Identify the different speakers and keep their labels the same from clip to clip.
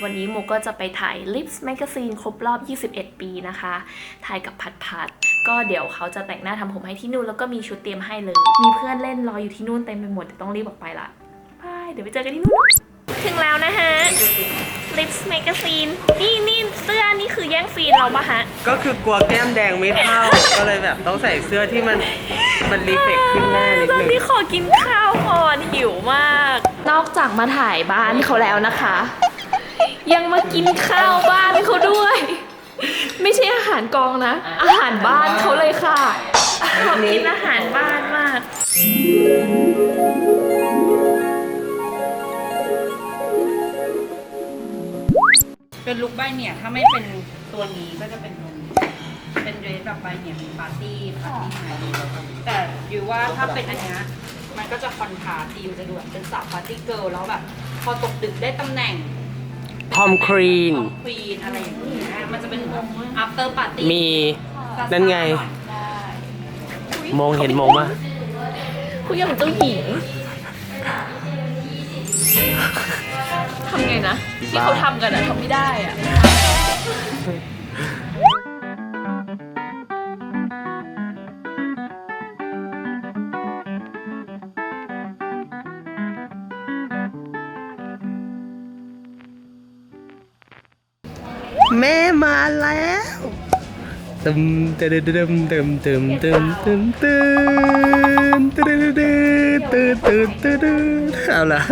Speaker 1: วันนี้โมก็จะไปถ่าย Lips Magazine ครบรอบ 21 ปีนะคะถ่ายกับพัดก็เดี๋ยวเขาจะแต่งหน้าทำผมให้ที่นู่นแล้วก็มีชุดเตรียมให้เลยมีเพื่อนเล่นรออยู่ที่นู่นเต็มไปหมดแต่ต้องรีบออกไปละบายเดี๋ยวไปเจอกันที่นู่นถึงแล้วนะฮะ Lips Magazine นี่เสื้อนี่คือแย่งซีนเราปะฮะ
Speaker 2: ก็คือกลัวแก้มแดงไม่เท่า ก็เลยแบบต้องใส่เสื้อที่มันรีเฟกขึ้นหน้านิดนึงตอนนี้ขอกินข้าวก่อนหิวมาก
Speaker 1: นอกจากมาถ่ายบ้านเขาแล้วนะคะ ยังมากินข้าวบ้านเขาด้วย ไม่ใช่อาหารกองนะ อาหารบ้านเขาเลยค่ะขอกินอาหารบ้านมาก
Speaker 3: เป็นลุคใบเนี่ยถ้าไม่เป็นตัวนี้ก็จะเป็นตัวนี้เป็นเดรสแบบใบเนี่ยเป็นปาร์ตี้ไนท์แต่อยู่ว่าถ้าเป็นอันเนี้ยมันก็จะคอนทราสต์ดีมันจะดูแบบเป็นสาวปาร์ตี้เกิร์ลแล้วแบบพอตกดึกได้ตำแหน่ง
Speaker 2: ทอมครีน
Speaker 3: อะไรอย่างเงี้ยมันจะเป็น after party
Speaker 2: มีนั่นไงมองเห็นมองว่า
Speaker 1: คุณอย่างเจ้าหญิงทำไงนะที่เขาทำกันอะทำไม่ได้อะ
Speaker 2: แม่มาแล้วตึมตึมตึมตึมตึมตึมตึมตึมตึมตึมตึมตึมตึมตึมเอาละ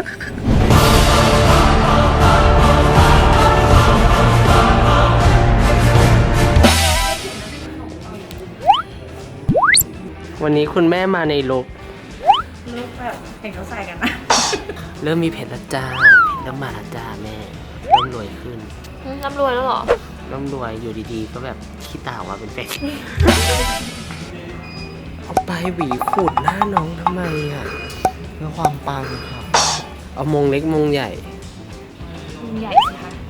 Speaker 2: วันนี้คุณแม่มาในลุค
Speaker 3: แบบเห็นเขาใส่กันนะ
Speaker 2: เริ่มมีเพจแล้วจ้าเริ่มมาแล้วจ้าแม่เริ่มรวยขึ้น
Speaker 1: ร่ำรวยแล้วเหรอ
Speaker 2: ร่ำรวยอยู่ดีๆก็แบบขี้ตาว่าเป็นเป็ดเอาไปหวีขูดหน้าน้องทำไมอ่ะเพื่อความปังครับเอามงเล็กมงใหญ่
Speaker 1: ใหญ่สิคะ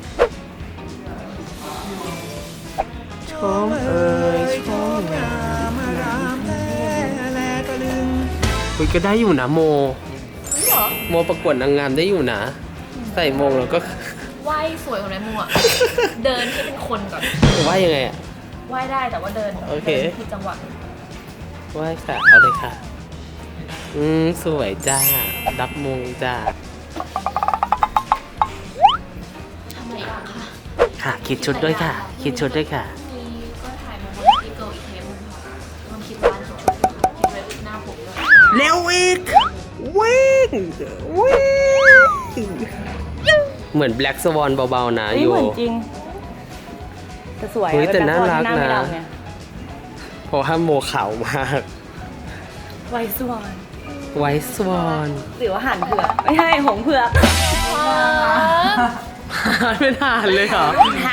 Speaker 2: ชมเอ่ยชมงามคุยก็ได้อยู่นะโมโมประกวดนางงามได้อยู่นะใส่มงแล้วก็
Speaker 1: ไหว้สวยกว่านั้นมั่วเดินให้เป็นคนก่อน
Speaker 2: ไหว้ยังไงอ่ะ
Speaker 1: ไหว้ได้แต่ว่าเดิน
Speaker 2: โอเค
Speaker 1: ผิดจังหวะ
Speaker 2: ไหว้ค่ะเอาเลยค่ะสวยจ้ารับมงจ้า
Speaker 1: ทำอะไรบ้างคะ
Speaker 2: ค่ะคิดชุดด้วยค่ะคิดชุดด้วยค่ะ
Speaker 1: มีก็ถ่ายมาบนที่เกิลอีกเทปนึงค่ะต้องคิดบ้านคิดชุดคิดเว็บหน้าผมด้วย
Speaker 2: เร็วอีกวิ่งเหมือน Black Swan เบาๆนะอยู่เหมือนจริง
Speaker 3: แต่สวย
Speaker 2: แต่น่ารักนะเพราะว่าโมขาวมาก
Speaker 3: ไวสว
Speaker 2: อน
Speaker 3: หรือว่าหันเผือกไม่ใช่หงเผือก
Speaker 2: ไม่ทานเลยเหรอ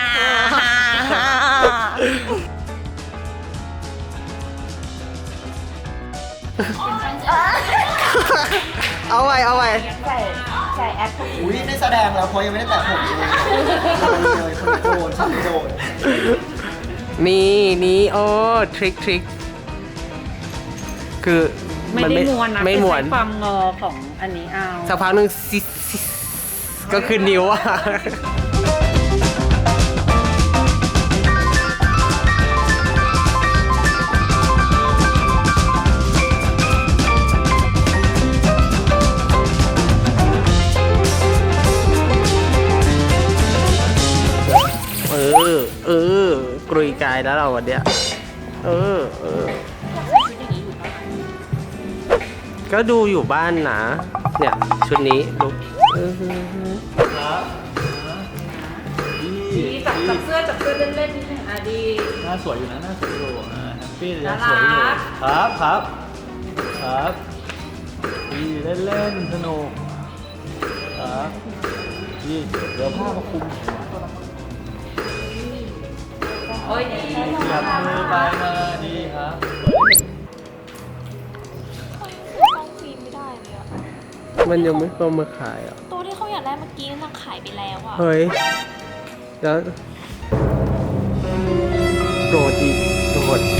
Speaker 2: เอาไว้
Speaker 3: ใส่แอป
Speaker 4: อุ้ยได้แสดงแล้วเพราะยังไม่ได้แตะผมเลยคนโดนฉันโดน
Speaker 2: นี่โอ้ทริคคือ
Speaker 3: ไม่ได้ม้วนนะ
Speaker 2: ไม่ม้วน
Speaker 3: ความงอของอันนี้เอา
Speaker 2: สักพักหนึ่งก็คือนิ้วอะกรุยกายแล้วเราวันเนี้ยก็ดูอยู่บ้านนะเนี่ยชุดนี้ลุก
Speaker 3: ดีจับเสื้อเล่นๆนิดนึงดี
Speaker 4: หน้าสวยอยู่นะหน้าสวยอยู่แฮปปี้เลยสวยอยู่ครับดีเล่นสนุกครับดีเดี๋ยวผ้ามาคุม
Speaker 3: โอ้ยดี
Speaker 4: จับมือไปมาดีครับ
Speaker 1: ต้องครีมไม่ได้เลยอ่ะ
Speaker 2: มันยังไม่เข้ามาขายอ่ะ
Speaker 1: ตัวที่เขาอยากได้เมื่อกี้นางขายไปแล้วอ่ะ
Speaker 2: เฮ้ยแล้วโดดอีกโดด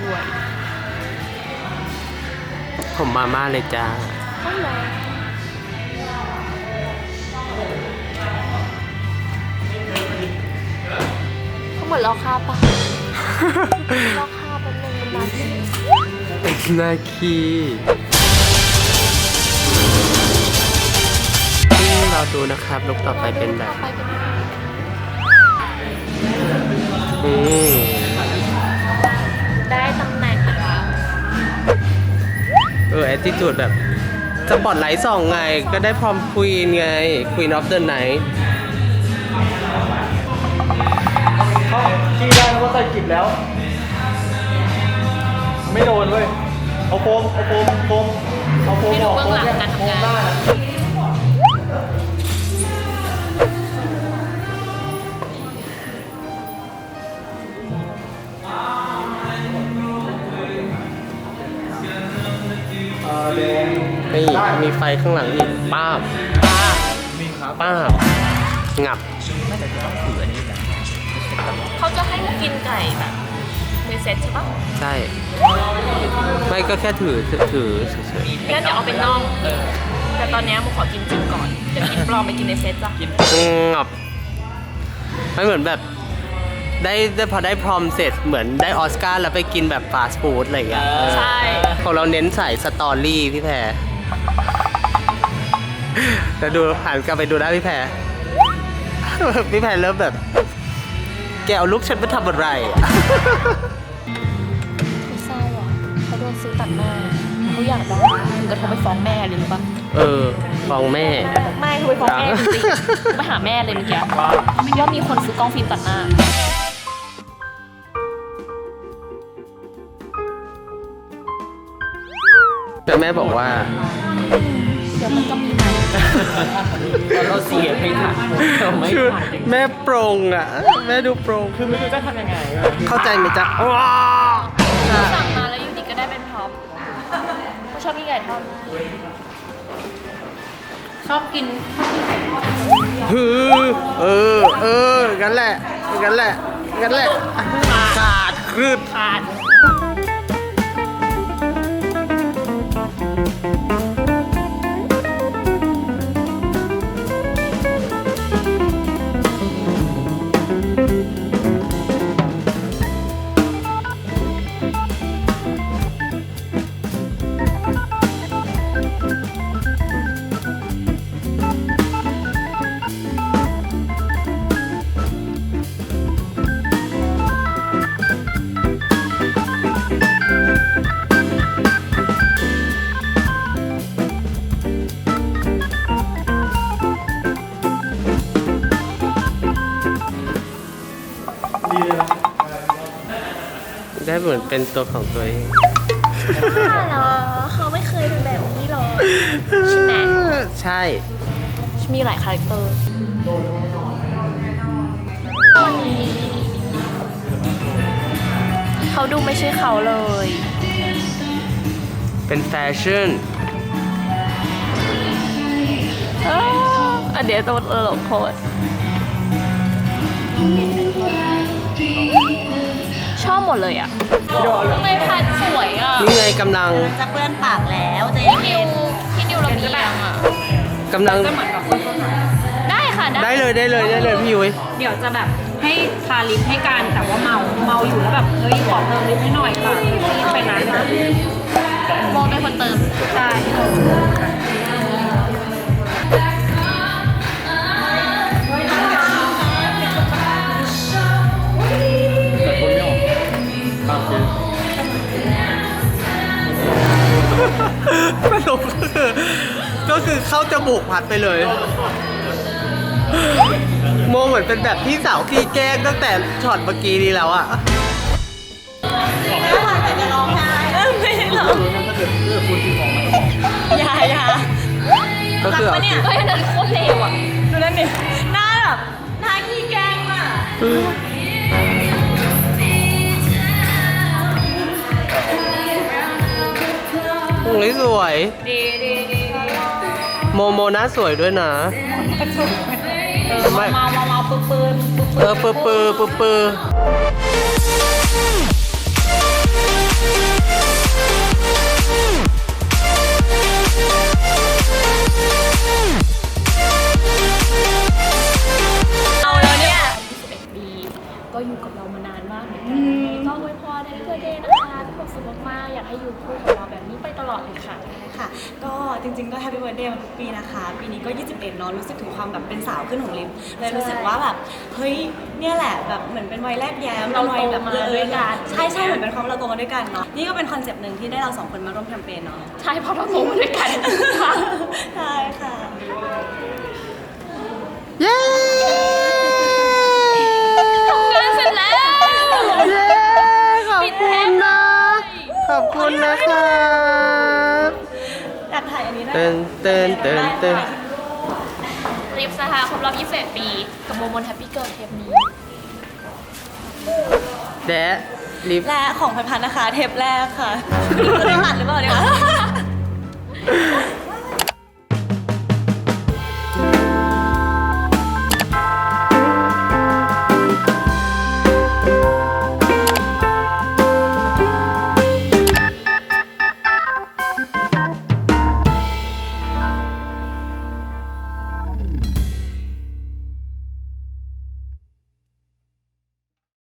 Speaker 1: ด้วย
Speaker 2: ผมมาม่าเลยจ้า
Speaker 1: ต้องรอเขาเหมือนเราค่าปะ เราค่าเป็นหนึ่งนาที
Speaker 2: นาคีเราดูนะครับลุกต่อไปเป็นแบบอืม
Speaker 1: ได้ตำแหน่งค่ะ
Speaker 2: แอตติจูดแบบสปอตไลท์ส่องไง ก็ได้พรอมควีนไง Queen of the Night
Speaker 4: เขาชี้ได้ว่าใส่กิบแล้ว ไม่โดนเว้ย เอาโฟมเอาโฟมโฟมเอาโฟม
Speaker 1: ให้
Speaker 4: อ
Speaker 1: ดู
Speaker 4: อก
Speaker 1: เบื้องหลังการ
Speaker 4: โฟ
Speaker 1: ทำ
Speaker 4: ม
Speaker 1: งาน
Speaker 4: หน้านะ แดง
Speaker 2: นี่มีไฟข้างหลังอีกป้าบ
Speaker 4: มีครับ
Speaker 2: ป้าบงับ
Speaker 1: เขาจะให้มากินไก่แบบในเซ็ตใช่ปะ
Speaker 2: ใช่ ไม่ก็แค่ถือเฉย
Speaker 1: งั้นเดี๋ยวเอาเป็นน่อง แต่ตอนนี้มูขอกินจริงก่อน เดี๋ยวกินปลอมไปกินในเซ็ตจ้ะ
Speaker 2: ๆงับไม่เหมือนแบบได้พอได้พรอมเสร็จเหมือนได้ออสการ์แล้วไปกินแบบฟาสต์ฟู้ดอะไรอย่างเงี้ย
Speaker 1: ใช่
Speaker 2: ของเราเน้นใส่สตอรี่พี่แพรแต่ดูหันกลับไปดูนะพี่แพร พี่แพรเริ่มแบบ แกเอาลูกฉันไปทำอะไรอะ
Speaker 1: ไม่เศร้าอ่ะเขาโดนซื้อตัดหน้าเขาอยากดังถึงกระโทรไปฟ้องแม่เลยหรือปะ
Speaker 2: ฟ้องแม่
Speaker 1: ไม่เขาไปฟ้องแม่จริงๆไปหาแม่เลยเมื่อกี้ย่อมมีคนซื้อกล้องฟิล์มตัดหน้า
Speaker 2: แต่แม่บอกว่า
Speaker 1: เดี๋ยวมันก็มีใหม่
Speaker 3: เราเสียไม่ทันเราไม่
Speaker 2: คือ
Speaker 3: ทัน
Speaker 2: แม่โปร่งอ่ะ แม่ดูโปร่ง
Speaker 3: คือไม่รู้จะทำยังไง
Speaker 2: เข้าใจไหมจ๊ะว้า
Speaker 1: สั่งมาแล้วอยู่ดีก็ได้เป็นพร็อพเขาชอบกินไก่ทอด
Speaker 3: ชอบกิน
Speaker 2: ฮืองั้นแหละงั้นแหละขาดครืด
Speaker 1: ขาด
Speaker 2: ได้เหมือนเป็นตัวของตัวเอง
Speaker 1: เหรอเขาไม่เคยเป็นแบบนี้หรอใช่ไหม
Speaker 2: ใช่
Speaker 1: มีหลายคาแรคเตอร์เขาดูไม่ใช่เขาเลย
Speaker 2: เป็นแฟชั่น
Speaker 1: เดี๋ยวตัวตลกโคตรชอบหมดเลยอ่ะทำไมพัดสวยอ่ะ
Speaker 2: นี่ไงกำลัง
Speaker 3: จะเปื้อนปากแล้วจะ
Speaker 1: พี่นิวระเบียงอ่ะ
Speaker 2: กำลัง
Speaker 3: จะเหมือนกับคนต้นไม้
Speaker 1: ได้ค่ะ
Speaker 2: ได้เลยพี่ยุ้ย
Speaker 3: เดี๋ยวจะแบบให้ทาลิปให้กันแต่ว่าเมาอยู่แล้วแบบเฮ้ยขอเติมลิปให้หน่อยค่ะรีบไปนั้นนะ
Speaker 1: โมเป็นคนเติม
Speaker 3: ใช่
Speaker 4: แต่คนไม่ออกตามคือ
Speaker 2: สรุปก็คือเข้าจมูกพัดไปเลย โมเหมือนเป็นแบบพี่สาวที่แกล้งตั้งแต่ช็อตเมื่อกี้นี้แล้วอะ
Speaker 1: อย่า
Speaker 2: ก็คือเอา
Speaker 1: เฮ้ยอันนั้นโคตรเลวอ่ะ
Speaker 3: ดูนั่นดิหน้าแบบหน้าขี้แกล้งอ่ะ
Speaker 2: ตรงนี้สวย
Speaker 3: ดี
Speaker 2: โมหน้าสวยด้วยนะ
Speaker 3: เมาปืน
Speaker 2: ปือ
Speaker 1: เดย์นะคะมีความสุขมากๆอยากให้อยู่คู่กับเราแบบนี้ไปตลอดเลยค่ะ
Speaker 5: ค่ะก็จริงๆก็แฮปปี้เบิร์ดเดย์มาทุกปีนะคะ ปีนี้ก็ 21 เนาะรู้สึกถึงความแบบเป็นสาวขึ้นของลิฟเลยรู้สึกว่าแบบเฮ้ยเนี่ยแหละแบบเหมือนเป็นวัยแรกแย้ม
Speaker 1: เรา
Speaker 5: วัยแบบ
Speaker 1: โตมาด้วยกัน
Speaker 5: ใช่เหมือนเป็นความเราโตมาด้วยกันเนาะนี่ก็เป็นคอนเซปต์หนึ่งที่ได้เราสองคนมาร่วมแคมเปญเนาะ
Speaker 1: ใช่เพราะเราโตมาด้วยกันค่ะ
Speaker 5: ใช่ค่ะ
Speaker 2: เย้
Speaker 1: ทำงานเสร็จแล้ว
Speaker 2: เย้ขอบคุณนะขอบคุณนะครับ
Speaker 5: อยากถ่ายอันนี้ได้
Speaker 2: เต้นเต้นเต้นเต้น
Speaker 1: ลิฟต์นะคะครบรอบ21 ปี กับโมมนแฮปปี้เกิร์ลเทปนี้
Speaker 2: แดะลิฟต์
Speaker 5: และของพันๆนะคะ เทปแรกค่ะ จะได้ตัดหรือเปล่าเนี่ย